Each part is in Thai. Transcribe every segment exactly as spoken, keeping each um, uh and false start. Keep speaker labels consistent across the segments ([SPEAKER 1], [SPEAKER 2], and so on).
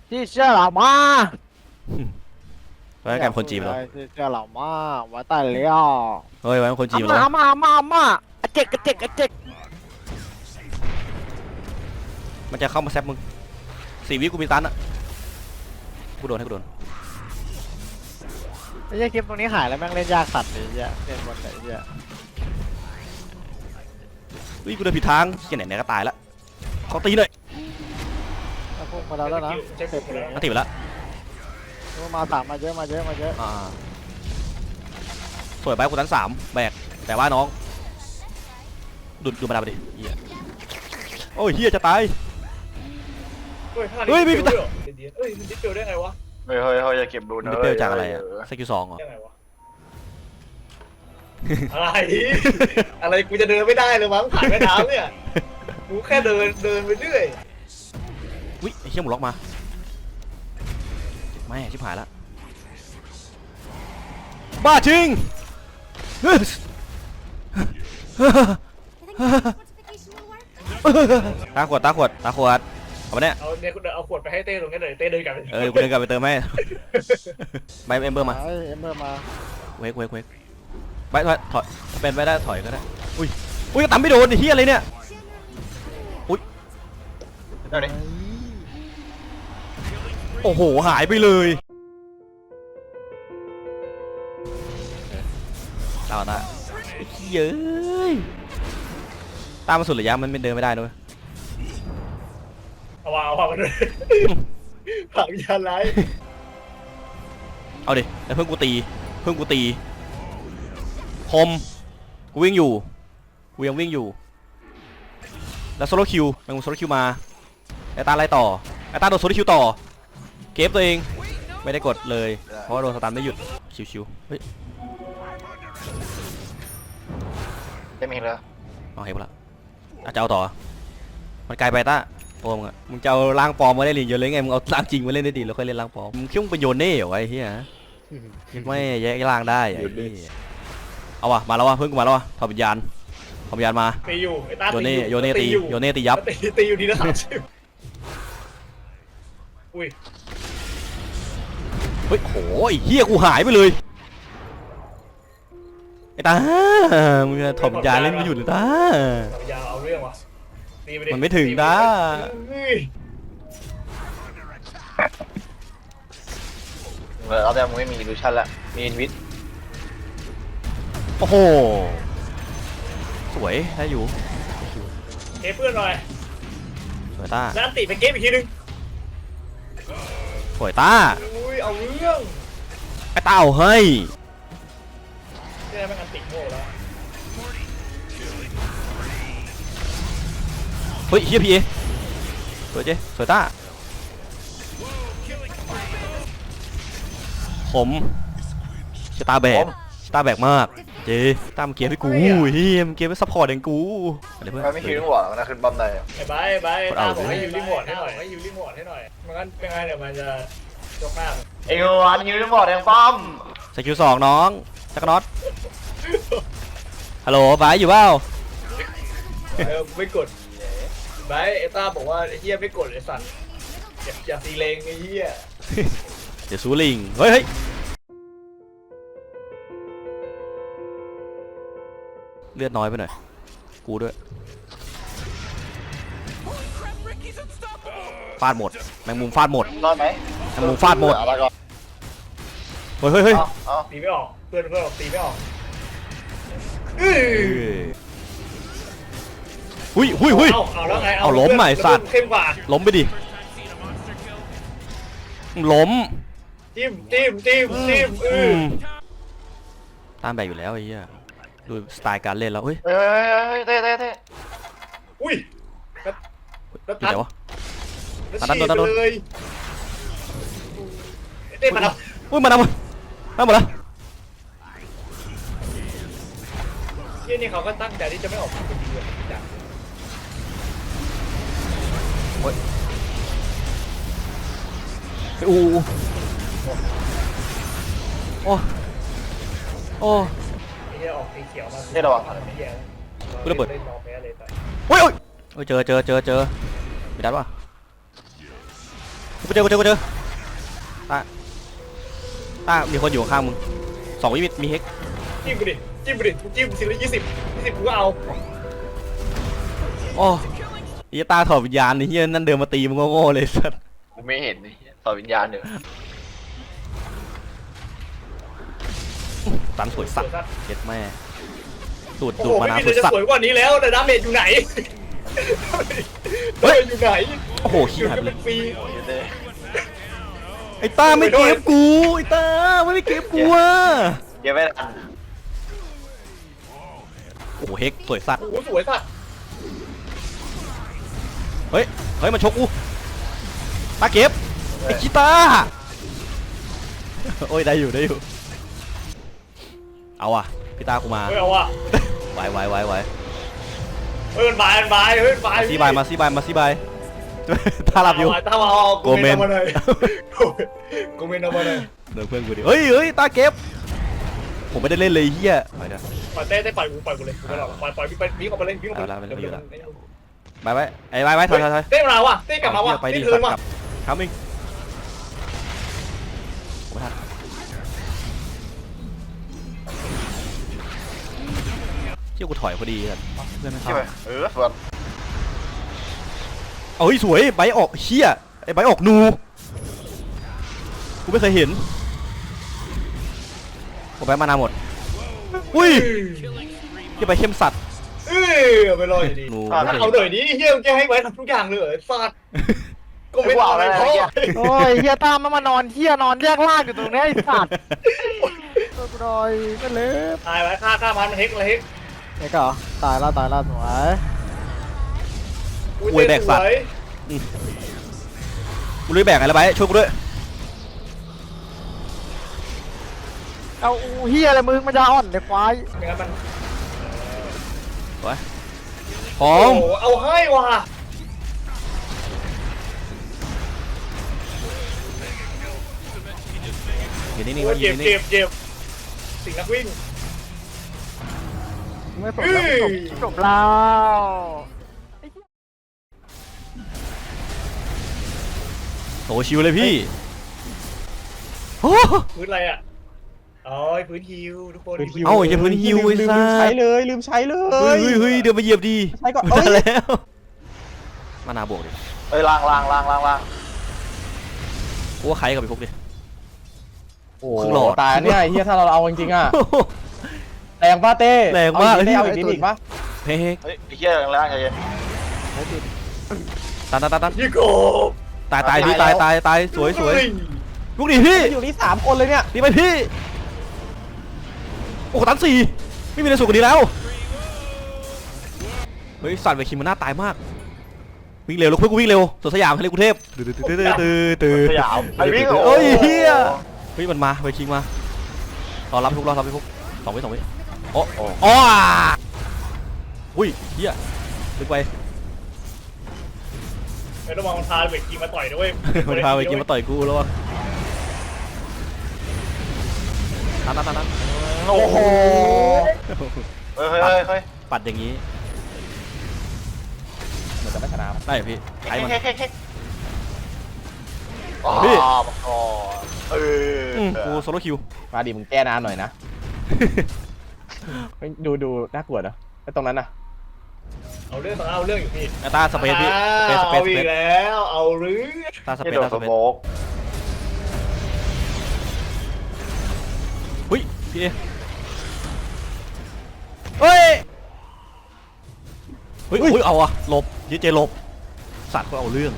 [SPEAKER 1] ที่เชื่อเรามา
[SPEAKER 2] ไว้กันคนจีบเหรอ
[SPEAKER 1] ที่เชื่อเรามาไว้ใต้เลี้ยว
[SPEAKER 2] เฮ้ยไว้คนจีบเหรอ
[SPEAKER 1] มามามามาอะเจ็กอะเจ็กอะเจ็ก
[SPEAKER 2] มันจะเข้ามาแซบมึงสี่วิกูมีตันอะกูโดนให้กูโดน
[SPEAKER 1] ไอ้เหี้ยคลิปตรงนี้หายแล้วแม่งเล่นยากสัตว์เลยเหี้ยเล่นบนไหนเหี้ย
[SPEAKER 2] เฮ้ยกูเดินผิดทางเกี่ยไหนไหนก็ตายละขอตีหน่อย
[SPEAKER 1] ถ้าพุ่งมาแล้วแล้วนะเสร็จเลย
[SPEAKER 2] มาตีไปแล้ว
[SPEAKER 1] มาสามมาเยอะมาเยอะมาเยอะ
[SPEAKER 2] อ่าสวยไปกูตันสามแบกแต่ว่าน้องดูดูมาดาไปดิเฮียโอ้ยเฮียจะตาย
[SPEAKER 3] เฮ้ย
[SPEAKER 2] เฮ้ยมี
[SPEAKER 3] มี
[SPEAKER 2] ตา
[SPEAKER 3] เฮ้ยมันดิสเปลได้ไงวะ
[SPEAKER 4] เฮ้ยเฮ้ยเฮ้ยอย่าเก็บดูนะ
[SPEAKER 2] มันเปรี้ยวจากอะไรอะสกิลสองเหรอ
[SPEAKER 3] ได้ไงวะ อะไร อะไรกูจะเดินไม่ได้เลยมั้งผ่านแม่น้ำเนี่ยกูแค่เดินเดินไปเรื่อย
[SPEAKER 2] วิไอ้เฮียหมุนล็อกมาไม่ชิบหายละบ้าจริงตาขวดตาขวดตาขวดเอาไปเนี่ย
[SPEAKER 3] เอาเนี่ยกูเดินเอาขวดไปให้เต้ตรงนี้เลยเต้เดินกลับไป
[SPEAKER 2] เออกูเดินกลับไปเติมให้ใบเอ็มเบอร์มา
[SPEAKER 1] ไอ้เอ็มเบอร์มา
[SPEAKER 2] เวกเวกเวกไปถอยถอยเป็นไปได้ถอยก็ได้อุ้ยอุ้ยตั้มไม่โดนไอ้เฮียอะไรเนี่ยอุ้ย
[SPEAKER 4] เดี๋ยวนี้
[SPEAKER 2] โอ้โหหายไปเลยตามมาตาไอ้เย้ยตามมาสุดระยะมันไม่เดินไม่ได้ด้วย
[SPEAKER 3] เอาว่าเอาว่ามันเลยผักยาไล่
[SPEAKER 2] เอาดิแล้วเพิ่งกูตีเพิ่งกูตีคมกูวิ่งอยู่กูยังวิ่งอยู่แล้วโซโลคิวแมงมุมโซโลคิวมาไอตาไล่ต่อไอตาโดนโซโลคิวต่อเก็บตัวเองไม่ได้กดเลยเพราะว่าโดนสตันไม่หยุดชิวๆเฮ้ย
[SPEAKER 4] เต็มอีกแล้ว
[SPEAKER 2] เอาเห็นปะละอาจจะเอาต่อมันไกลไปต้าโอ้มึงอะมึงจะเอาร่างปลอมมาเล่นเยอะเลยไงมึงเอาร่างจริงมาเล่นได้ดีแล้วค่อยเล่นร่างปลอมมึงคิดว่ามึงเป็นโยเน่เหรอไอ้เหี้ยไม่แยกร่างได้ไอ้เหี้ยเอาวะมาแล้ววะเพิ่งมาแล้ววะถอดวิญญาณถอดวิญญาณมา
[SPEAKER 3] ตีอยู่ไอ้ตา
[SPEAKER 2] โยเน่
[SPEAKER 3] ตีอยู่
[SPEAKER 2] โยเน่ตี
[SPEAKER 3] อยู่
[SPEAKER 2] โยเน่ตียับ
[SPEAKER 3] ตีตีอยู่ทีละสามสิบอุ้ย
[SPEAKER 2] เฮ้ยโหไอ้เหี้ยกูหายไปเลยไอ้ตามึงถอดวิญญาณเล่นไม่หยุดเลยตา
[SPEAKER 3] สัญญาเอาเรื่องว่ะตีไปดิ
[SPEAKER 2] มันไม่ถึงนะ
[SPEAKER 3] เฮ้ย
[SPEAKER 4] เออเอาแต่มึงไม่มีอิลูชันละมีอินวิท
[SPEAKER 2] โอ้โหสวยได้อยู่
[SPEAKER 3] เก็บเพื่อนหน่อย
[SPEAKER 2] สวยตา
[SPEAKER 3] แล้วอันติไปเก็บอีกทีนึง
[SPEAKER 2] สวยตา
[SPEAKER 3] อุ้ยเอาเรื่อง
[SPEAKER 2] ไอ้ตาเอาเฮ้ย
[SPEAKER 3] นี่แม่งอันติโง่แล้ว
[SPEAKER 2] เฮ้ยเฮียพีเอสวยเจ๊สวยต้าผมชะตาแบกชะตาแบกมากเจ๊ตามเกียร์ให้กูเฮียมเกียร์ไม่ซัพพอร์ตเองกูอะไรเพื่อน
[SPEAKER 4] มันไม่คิวหัวมันนะขึ้นบอมได้
[SPEAKER 3] ไอ้ใบใบตาบอกให้ยูรีโมทให้หน่อยให้ยูรีโมทให้หน่อยมันงั้นเป็นไงเดี๋ยวมันจะยกหน้า
[SPEAKER 4] เอ็งวันยูนิฟอร์ดแดงป้อม
[SPEAKER 2] สกิลสองน้องจักรน็อตฮัลโหลบายอยู่เปล่า
[SPEAKER 3] เออไม่กดใบไอ้ตาบอกว่าไอ้เหี้ยไม่กดไอ้สัตว์อย่าอย่าตีเลงไอ้เหี้ย
[SPEAKER 2] เดี๋ยวซูลิงเฮ้ยเฮ้ยเลือดน้อยไปหน่อยกูด้วยฟาดหมดแมงมุมฟาดหมด
[SPEAKER 4] รอดไหม
[SPEAKER 2] แมงมุมฟาดหมด
[SPEAKER 4] เอาละก่อน
[SPEAKER 2] เฮ้ยเฮ้ยเฮ้ย
[SPEAKER 4] เอาเอา
[SPEAKER 3] ตีไม่ออกเพื่อนเพื่อนบอกตีไม่ออก
[SPEAKER 2] หุยหุยหุย
[SPEAKER 3] เอาเอาแล้วไง
[SPEAKER 2] เอาล้มใหม่สัตว์
[SPEAKER 3] เข้มกว่า
[SPEAKER 2] ล้มไปดิล้ม
[SPEAKER 3] จิ้มจิ้มจิ้มจิ้มเออ
[SPEAKER 2] ตามแบกอยู่แล้วไอ้เหี้ยดูสไตล์การเล่นแล้วเฮ้ย
[SPEAKER 4] เฮ้ยเฮ้ยเฮ้ยเต้เต้เต้
[SPEAKER 3] อุ้ยแล้วแล้ว
[SPEAKER 2] อยู่
[SPEAKER 3] ตั
[SPEAKER 2] ไห
[SPEAKER 3] ด
[SPEAKER 2] นวะ
[SPEAKER 3] แล้ว
[SPEAKER 2] ตัด
[SPEAKER 3] ฉี
[SPEAKER 2] ตั
[SPEAKER 3] ด
[SPEAKER 2] ดตัด
[SPEAKER 3] ไปเลยเต้มาท
[SPEAKER 2] อุ้ยมาดำมามาหมดแล้ว
[SPEAKER 3] ำเที่ยนี่เขาก็ตั้งใจที่จะไม่ออกมาเป็นดีเลยจ้ะ
[SPEAKER 2] โอ้ยอู้โอ้โอ้
[SPEAKER 3] ไอ้เหี้ยออกสีเขียวมา
[SPEAKER 4] เต้ระวัง
[SPEAKER 3] ไอ้เหี้ย
[SPEAKER 2] กูระเบิด
[SPEAKER 3] เล่นรอแพ้เลยแต่
[SPEAKER 2] โอ้ยโอ้ยเจอเจอเจอเจอมีดัดวะกูเจอกูเจอกูเจอตาตามีคนอยู่ข้างมึงสองวิมิตมีเฮก
[SPEAKER 3] จิ้มไปดิจิ้มไปดิจิ้มสิละยี่สิบยี่สิบกูก็เอา
[SPEAKER 2] โอ้ยตาถอดวิญญาณนี่เฮียนั่นเดินมาตีมึงโง่ๆเลยสัส
[SPEAKER 4] กูไม่เห็นนี่ต่อวิญญาณเดี๋ยว
[SPEAKER 2] ตันสวยสัสเจ็ดแม่ดูด
[SPEAKER 3] โอ้
[SPEAKER 2] ดู
[SPEAKER 3] โห
[SPEAKER 2] ดมา
[SPEAKER 3] ไม่
[SPEAKER 2] นา
[SPEAKER 3] มี
[SPEAKER 2] สวย
[SPEAKER 3] จะ
[SPEAKER 2] สัส
[SPEAKER 3] สวยกว่านี้แล้วแต่ดาเมจอยู่ไหน
[SPEAKER 2] เฮ้ย
[SPEAKER 3] อยู่ไหน
[SPEAKER 2] โอ้โหขี้
[SPEAKER 3] อยู่
[SPEAKER 2] หัน
[SPEAKER 3] กัน
[SPEAKER 2] เล
[SPEAKER 3] เป็
[SPEAKER 2] ย
[SPEAKER 3] นปี
[SPEAKER 2] ไอ้ตาไม่เก็บกูไอ้ตาไม่ได้เก็บกูอ่ะ
[SPEAKER 4] เก็บไว้ทัน
[SPEAKER 2] โอ้โหเฮกสวยสัส
[SPEAKER 3] โอ้โหสวยสัส
[SPEAKER 2] เฮ้ยเฮ้ยมาชกกูตาเก็บไอ้กีตาโอ้ยได้อยู่ได้อยู่เอาอ่ะพี่ตากูมา
[SPEAKER 3] เฮ้ยเอาว่ะ
[SPEAKER 2] ไหวไหวไหวไหว
[SPEAKER 3] เฮ้ยมันบายมันบายเฮ้ยมันบาย
[SPEAKER 2] ซีบายมาซีบายมาซีบายตาหลับอยู่
[SPEAKER 3] ถ้ามาเอา
[SPEAKER 2] โกเมน
[SPEAKER 3] อาาเลยโกเมนเอามาเลย
[SPEAKER 2] เดินเพื่อนกูดิเฮ้ยเฮ้ยตาเก็บผมไม่ได้เล่นเลยเฮียไปเถอะ
[SPEAKER 3] ปล่อยเต้เต้ปล่อยกูปล่อยกูเลยกูไม่หรอกปล่อยปล่อยวิ่งไปวิ่งออกไปเลยวิ่งออกไป
[SPEAKER 2] เอาละไม่
[SPEAKER 3] เร็ว
[SPEAKER 2] เอาละ
[SPEAKER 3] ๆเร็ว
[SPEAKER 2] ไปไปไอ้ไปไปถอยถอยถอย
[SPEAKER 3] ๆเต้มาว่ะเต้กลับมาว่ะ
[SPEAKER 2] ไป
[SPEAKER 3] เต้
[SPEAKER 2] ดิ
[SPEAKER 3] เทิร์นว่ะ
[SPEAKER 2] กลับทำเองผมไม่ทันเชี่ยกูถอยพอดีกันเพื่อนไม่
[SPEAKER 4] ใช่
[SPEAKER 2] เข้า
[SPEAKER 4] ไหมเออส่วน
[SPEAKER 2] เอ้ยสวยใบออกเชี่ยไอ้ใบออกนูกูไม่เคยเห็นผมไปมานานหมดอุ้ยที่ไปเข้มสัตว์
[SPEAKER 3] เอ้ยเอาไปรออยู่ดี
[SPEAKER 2] หนู
[SPEAKER 3] ถ้า
[SPEAKER 2] ไม่เคย
[SPEAKER 3] เอาหน่อยดิเฮียมึงแกให้ไว้ทำทุกอย่างเลยเหรอไอ้สัตว์โกเมน
[SPEAKER 4] กูเอา
[SPEAKER 3] เอา
[SPEAKER 4] อะไร
[SPEAKER 3] ไป
[SPEAKER 4] นะ
[SPEAKER 3] พ่อ
[SPEAKER 4] เมื่อกี้
[SPEAKER 1] โอ้ยเฮียตามมันมานอนเฮียนอนแยกล่างอยู่ตรงนี้ไอ้สัตว์ตัวกูหน่อยก็เล็บ
[SPEAKER 3] ตายไว้ฆ่าฆ่ามันมันเฮกมันเฮก
[SPEAKER 1] ไอ้ก็เหรอตายแล้วตายแล้วสวย
[SPEAKER 3] อุ้ย
[SPEAKER 2] อวยแบกสัตว์
[SPEAKER 3] สวย
[SPEAKER 2] กูเลยแบกอะไรไปช่วยกูด้วย
[SPEAKER 1] เอาเฮียอะไรมึงมันจะอ่อนในควาย
[SPEAKER 3] ไม่งั้นมัน
[SPEAKER 2] สวยขอ
[SPEAKER 3] โอ้
[SPEAKER 2] ง
[SPEAKER 3] โหเอาให้ว่ะ
[SPEAKER 2] อยู่นิ่งๆ
[SPEAKER 3] โอ้
[SPEAKER 2] ไว้
[SPEAKER 3] ย
[SPEAKER 2] อยู่
[SPEAKER 3] เจ็บ
[SPEAKER 2] นิ่
[SPEAKER 3] เจ็
[SPEAKER 2] ง
[SPEAKER 3] บเจ็บสิ่งนักวิ่ง
[SPEAKER 1] ไม่สนแล้วจบจบแล้ว
[SPEAKER 2] ๆโอ้ชิวเลยพี่โอ้
[SPEAKER 3] พื้นอะไรอ่ะอ๋อพื้นฮิวทุกคน
[SPEAKER 2] เอ้าไอ้เหี้ยพื้นฮิวไอ้
[SPEAKER 5] ลืม
[SPEAKER 2] สั
[SPEAKER 5] ลืมใช้
[SPEAKER 2] ส
[SPEAKER 5] เลยลืมใช้เล
[SPEAKER 2] เฮ้ย
[SPEAKER 5] ย
[SPEAKER 2] เฮ้ยเฮ้ยเดินมาเหยียบดี
[SPEAKER 5] ใช้ก่อน
[SPEAKER 2] มา
[SPEAKER 5] เอ้ย
[SPEAKER 2] แล้วมานาบวกดิ
[SPEAKER 4] เอ้ยล่างล่างล่างล่างล่าง
[SPEAKER 2] กูว่าใครกับไปพวกดิ
[SPEAKER 5] โอ้
[SPEAKER 2] ครึ่งหลอด
[SPEAKER 5] ตายเนี่ยไอ้เฮียถ้าเราเอาจริงๆอ่ะแรงป้าเต้
[SPEAKER 2] แรงมาก
[SPEAKER 5] เออีกนิดเอาอีกนิดอีกปะ
[SPEAKER 2] เฮ้ย
[SPEAKER 4] เฮ้ยไอ้เหี้ยล่างใจเย็น
[SPEAKER 2] ตันตันตันตัน
[SPEAKER 3] ยี่โก
[SPEAKER 2] ตายตายพี่ตายตายตายสวยสวย
[SPEAKER 3] เฮ้
[SPEAKER 2] ลูกดิพี่
[SPEAKER 5] อยู่นี่สามคนเลยเนี่ย
[SPEAKER 2] ดีไปพี่โอ้โหตันสี่ไม่มีอะไรสูงกว่านี้แล้วเฮ้ยสัตว์เวคิมมันน่าตายมากวิ่งเร็วลูกเพื่อนกูวิ่งเร็วสวนสยามทะเลกรุงเทพตื่นตื่นตื่นตื่นตื่น
[SPEAKER 4] สยามไอ้วิ่ง
[SPEAKER 2] โอ้ยเฮียเฮ้ยมันมาเวคิงมารอรับทุกรอรับทุกสองวิสองวิโอ้โอ้อ๋ออุ้ยเฮียลึกไป
[SPEAKER 3] ไม่ต้องมองมันพาเวกกีมาต่อยด้วย
[SPEAKER 2] มันพาเวคิงมาต่อยกูแล้ววะตันตันตันตัน
[SPEAKER 4] โอ้โหเฮ้ยเฮ้ยเฮ้ยเฮ้ย
[SPEAKER 2] ปัดอย่างนี้
[SPEAKER 5] เหมือนจะไม่ชนะ
[SPEAKER 2] ได้พี่ไอ้มัน
[SPEAKER 4] เฮ้ยเฮ้ยเฮ้ยอ๋อ
[SPEAKER 2] พี่
[SPEAKER 4] บอกก่อนเออ
[SPEAKER 2] มกูโซโลคิว
[SPEAKER 5] มาดิมึงแก้นานหน่อยนะเฮ้ยดูดูน่ากลัวนะไอ้ตรงนั้นน่ะ
[SPEAKER 3] เอาเรื่องเอาเรื่องอยู่พี่
[SPEAKER 2] ไอ้ตาสเปซพี่สเปซสเปซ
[SPEAKER 3] เอา
[SPEAKER 2] ส
[SPEAKER 3] อี
[SPEAKER 2] เป
[SPEAKER 3] ก
[SPEAKER 2] ซ
[SPEAKER 3] แล้วเอาเรื่อง
[SPEAKER 2] ตาสเป
[SPEAKER 4] ที่
[SPEAKER 2] ซ
[SPEAKER 4] โด
[SPEAKER 2] ตาน ส
[SPEAKER 4] ส
[SPEAKER 2] เปซ
[SPEAKER 4] โมก
[SPEAKER 2] หุ้ยพี่เอเฮ้ยเฮ้ยอุ้ยเอาอะหลบยืดเจหลบสัตว์ก็เอาเรื่อง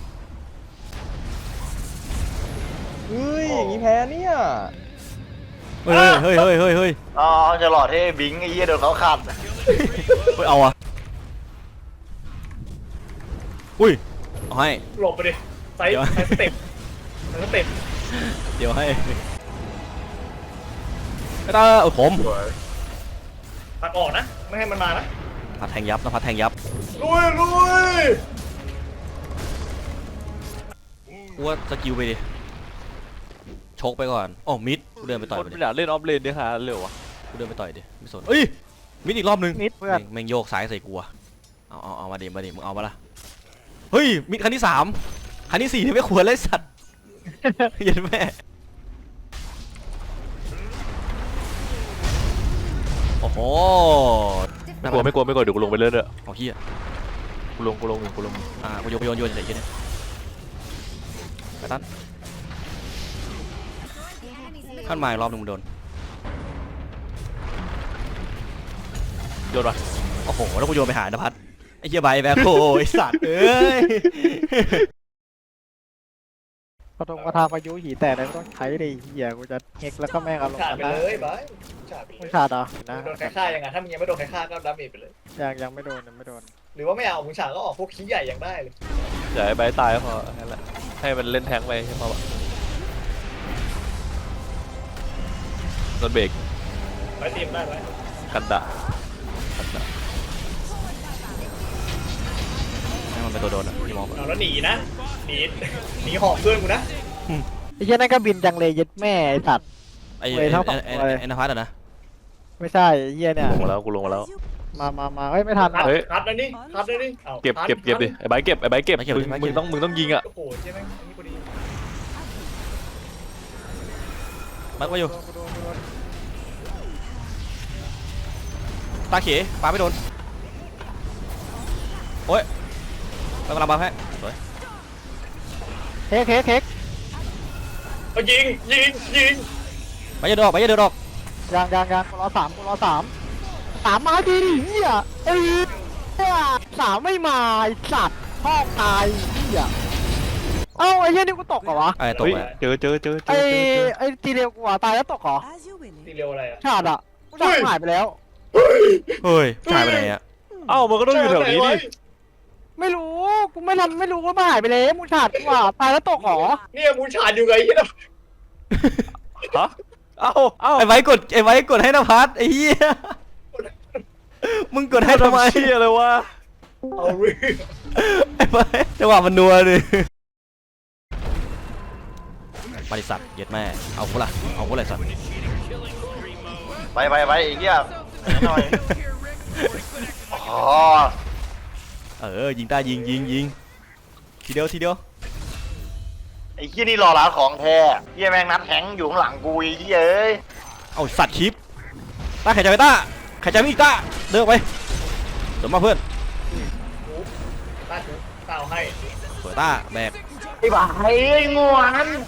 [SPEAKER 5] เฮ้ยอย่างนี้แพ้เนี่ย
[SPEAKER 2] เฮ้ยเฮ้ยเฮ้ยเฮ้ยเฮ้ย
[SPEAKER 4] อ๋อจะหลอดให้บิงไอ้เหี้ยโดนเขาขัด
[SPEAKER 2] เฮ้ยเอาอะอุ้ยเอาให้
[SPEAKER 3] หลบไปดิไซส์
[SPEAKER 2] เดี๋ยว
[SPEAKER 3] ไซส์สเต็ปไซส์สเต็ป
[SPEAKER 2] เดี๋ยวให้ไอ้ตาเออผม
[SPEAKER 3] ตัดออกนะไม่ให้มันมานะ
[SPEAKER 2] พัดแทงยับนะพัดแทงยับ
[SPEAKER 3] ลุยลุย
[SPEAKER 2] กูว่าสกิลไปดิชกไปก่อนอ๋อมิดกูเดินไปต่อย
[SPEAKER 1] ค
[SPEAKER 2] ไป
[SPEAKER 1] น
[SPEAKER 2] ดิ
[SPEAKER 1] ไม่อยากเล่นออฟเลนด้วยค่ะเร็ววะ
[SPEAKER 2] กูเดินไปต่อยดิไม่สนเอ้ยมิดอีกรอบนึง
[SPEAKER 1] มิดเพื่อน
[SPEAKER 2] แม่งแม่งโยกซ้ายใส่กูอะเอาเอาเอามาดิมาดิมึงเอามาละเฮ้ยมิดครั้งที่สามครั้งที่สี่นี่ไม่ควรเลยสัตว์ เย็นแม่โอ้โห
[SPEAKER 4] ไม่กลัวไม่กลัวไม่กลัวเดี๋ยวกูลงไปเรื่อย
[SPEAKER 2] เอาเฮีย
[SPEAKER 4] ๆกูลงกูลงกูลง
[SPEAKER 2] อ่ากูโยนกูโยนโยนเฉยๆเนี่ยไปตั้นขั้นมาอีกรอบหนึงมึงโดน
[SPEAKER 4] โยนวะ
[SPEAKER 2] โอ้โหแล้วกูโยนไปหานภัสไอ้เหี้ยใบแบคโฮไอ้สัตว์เอ้ย
[SPEAKER 1] กระทงกระทาพายุหีแต่อะไรก็ต้องใช้เลยเหี้ยกูจะเฮกแล้วก็แม่งอารมณ์
[SPEAKER 3] ขาด
[SPEAKER 1] กัน
[SPEAKER 3] ไป
[SPEAKER 1] นะ
[SPEAKER 3] เลยบายขาดไปเล
[SPEAKER 1] มึง
[SPEAKER 3] ย
[SPEAKER 1] ขาดเหรอนะ
[SPEAKER 3] โดนใครฆ่ายังไงถ้ามึงยังไม่โดนใครฆ่าก็ดาเมจไปเลย
[SPEAKER 1] ยังยังไม่โดนยังไม่โดน
[SPEAKER 3] หรือว่าไม่เอามึงฉากก็ออกพวกขี้ใหญ่ยังได้เลย
[SPEAKER 4] อย่าให้ใบตายก็พอแค่นั้นแหละให้มันเล่นแทงไปใช่ไหมวะรถเบรก
[SPEAKER 3] ไปทีมได้ไหม
[SPEAKER 4] กันดะกันดะ
[SPEAKER 2] ให้มันเป็นตัวโดนอ่ะพี่มอง
[SPEAKER 3] เอาแล้วหนีนะหนีหนีหอบเพื่อนกูนะ
[SPEAKER 1] ไอ้เหี้ยนั่นก็บินจังเลยเย็ดแม่ไอ้สัตว์
[SPEAKER 2] ไอ้
[SPEAKER 1] เว้ยเท่ากับ
[SPEAKER 2] ไอ้
[SPEAKER 1] เว้ย
[SPEAKER 2] ไอ้นภัสอ่ะนะ
[SPEAKER 1] ไม่ใช่ไอ้เหี้ยเนี่ย
[SPEAKER 4] ลงมาแล้วกูลงมาแล้ว
[SPEAKER 1] มามามาเฮ้ยไม่ทัน
[SPEAKER 3] คัด
[SPEAKER 4] เฮ้ย
[SPEAKER 3] คัดนะนี่คัดนะนี่อา
[SPEAKER 4] เก็บ
[SPEAKER 3] คัด
[SPEAKER 4] เก็บเก็บดิไอ้ใบเก็บไอ้ใบเก็บ
[SPEAKER 2] ไม่เก็บ
[SPEAKER 4] มึง
[SPEAKER 2] ไม่เก็
[SPEAKER 4] มึ
[SPEAKER 2] บ
[SPEAKER 4] งต้องมึงต้องยิงอ่ะ
[SPEAKER 3] โอ้โหใช่ไหมอันนี้พอดี
[SPEAKER 2] มัดไว้อยู่
[SPEAKER 1] กูโดนกูโดน
[SPEAKER 2] ตาเขยปาไม่โดนโอ้ยเรากำลังบัฟให้สวย
[SPEAKER 1] เค้กเค้กเค้ก
[SPEAKER 3] เอายิงยิงยิง
[SPEAKER 2] ไปอย่าเดินออกไปอย่าเดินออก
[SPEAKER 1] ยางยางยางกูรอสามกูรอสามสามมาดีดิเหี้ยไอ้เหี้ยสามไม่มาไอ้สัตว์พ่อตายเหี้ยเอ้าไอ้เหี้ยนี่กูตกเหรอวะ
[SPEAKER 2] ไอ้ตก
[SPEAKER 4] เฮ้ย
[SPEAKER 2] ไป
[SPEAKER 4] เจอเจอเจอเจ
[SPEAKER 1] ไอ้
[SPEAKER 4] อเจอเจอ
[SPEAKER 1] ไอ้ตีเร็วกูอ่ะตายแล้วตกเหรอ
[SPEAKER 3] ตีเร็วอะไรอ่ะ
[SPEAKER 1] ชาดอ่ะกูจับหายไปแล้ว
[SPEAKER 2] เฮ้ยหายไปไหนอ่ะ
[SPEAKER 4] เอ้ามันก็ต้องอยู่แถวนี้ดิ
[SPEAKER 1] ไม่รู้กูไม่ทำไม่รู้ว่ามันหายไปแล้วมึงชาดกูอ่ะตายแล้วตกเหรอ
[SPEAKER 3] เนี่ยมูชาดอยู่ไงเหี้ย
[SPEAKER 4] ฮะเอ้าเอ้า
[SPEAKER 2] ไอ้ไว้กดไอ้ไว้กดให้นภัสไอ้เหี้ยมึงกดให้ทำไม
[SPEAKER 4] เชี่ยเลยวะ
[SPEAKER 3] เอาเรื่อง
[SPEAKER 2] ไอ้ไว้จังหวะมันนัวเลยบริษัทเย็ดแม่เอากูละเอากูละสัตว์
[SPEAKER 4] ไปไปไปไอ้เหี้ยหน่อยอ๋อ
[SPEAKER 2] เออยิงได้ยิงยิงยิงทีเดียวทีเดียว
[SPEAKER 4] ไอ้เหี้ยนี่รอร้านของแท้เหี้ยแม่งนัดแทงอยู่ข้างหลังกูไอ้เหี้ยเอ้ย
[SPEAKER 2] เอาสัตว์คลิปต้าไข่ใจไปต้าไข่ใจไม่อีกต้าเดินออกไปเดี๋ยวมาเพื่อน
[SPEAKER 3] ตาตาเอาให้
[SPEAKER 2] สวยต้าแบก
[SPEAKER 4] ไอ้บ้าไอ้งวน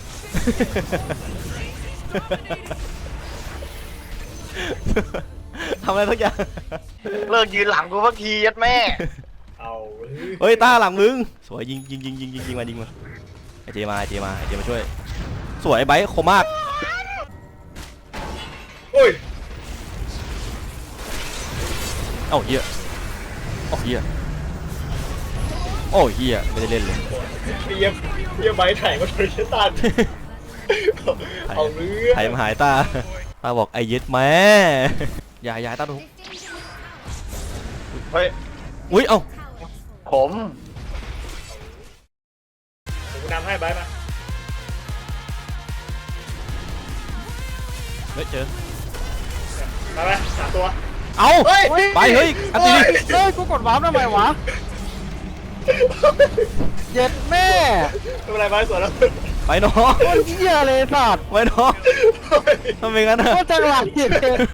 [SPEAKER 2] ทำอะไรทุกอย่าง
[SPEAKER 4] เลิกยืนหลังกูสักทียัดแม่
[SPEAKER 3] เอาเรื่อง
[SPEAKER 2] เฮ้ยต้าหลังมึงสวยยิงยิงยิงยิงยิงยิงมายิงมาไอเจมาไอเจมาไอเจมาช่วยสวยไบค์คมมาก
[SPEAKER 3] โอ้ย
[SPEAKER 2] เอ้าเฮียโอ้เฮียโอ้เฮียไม่ได้เล่นเลย
[SPEAKER 3] เยี่ยมเยี่ยมใบไถ่มาโดยเชตันเอาเรื่อง
[SPEAKER 2] หายมาหายตาตาบอกไอเย็ดแม่อย่าอย่าให้ตาดู
[SPEAKER 4] เฮ้ย
[SPEAKER 2] อุ้ยเอ้า
[SPEAKER 4] ผม
[SPEAKER 3] เดี๋ยวกูนำให้ใบมา
[SPEAKER 2] เฮ้ยเจอ
[SPEAKER 3] มาไหมสามตัว
[SPEAKER 2] เอา
[SPEAKER 3] เฮ้ย
[SPEAKER 2] ไปเฮ้ยอันตีดิ
[SPEAKER 1] เฮ้ยกูกดวาร์ปทำไมวะเย็ดแม่
[SPEAKER 3] ไม่เป็นไรใบสวนแล้ว
[SPEAKER 2] ไปน้อง
[SPEAKER 1] โคตรเหี้ยเลยสัตว์
[SPEAKER 2] ไปน้องทำไมงั้นอะ
[SPEAKER 1] โคตรจังหวะเหี้ยเลย